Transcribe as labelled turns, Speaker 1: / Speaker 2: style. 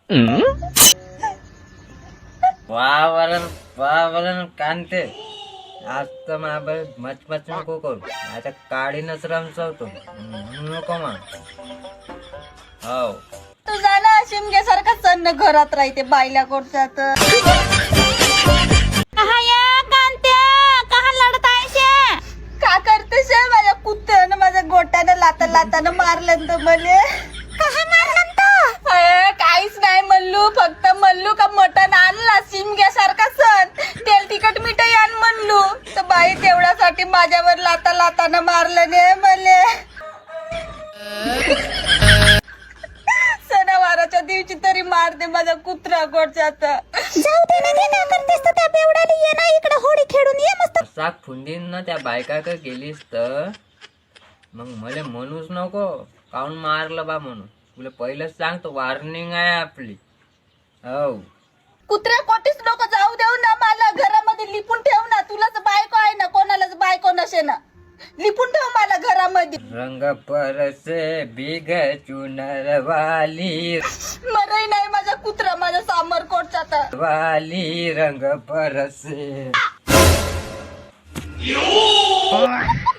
Speaker 1: वावरण कांते आज तर माझ्या मच नको करू आता काळीनच रमचवतो नको मग हो
Speaker 2: तुझा ना शिमग्यासारखा सन्न घरात राहते बायला कोणत्यात का करतेस माझ्या कुत्र्यानं माझ्या गोट्यानं लातानं मारलं तर मले काहीच नाही मल्लू फक्त मल्लू का मटण आणला शिमग्यासारखा सण तेल तिखट मिठाई आण म्हणलू तर बाई तेवढ्यासाठी माझ्यावर लातानं मारलं ने मले सणावाराच्या दिवशी तरी मारते माझा कुत्रा गोडच्यात जाऊ दे ना काय करतेस तर त्या बेवडाला ये ना इकडे होडी खेळून ये मस्त
Speaker 1: साक फुंडीन ना त्या बायका का गेलीस तर मग मला म्हणूच नको काऊन मारलं बा म्हणून तुला पहिलंच सांगतो वॉर्निंग आहे आपली हो
Speaker 2: कुत्र्या कोटीच नको जाऊ देऊ ना मला घरामध्ये लिपून ठेव ना तुलाच बायको आहे ना कोणालाच बायको नसे ना लिपून ठेव मला घरामध्ये
Speaker 1: रंग परसे बिग चुनर वाली
Speaker 2: मरही नाही माझा कुत्रा माझ्या सामर कोटचा
Speaker 1: वाली रंग परसे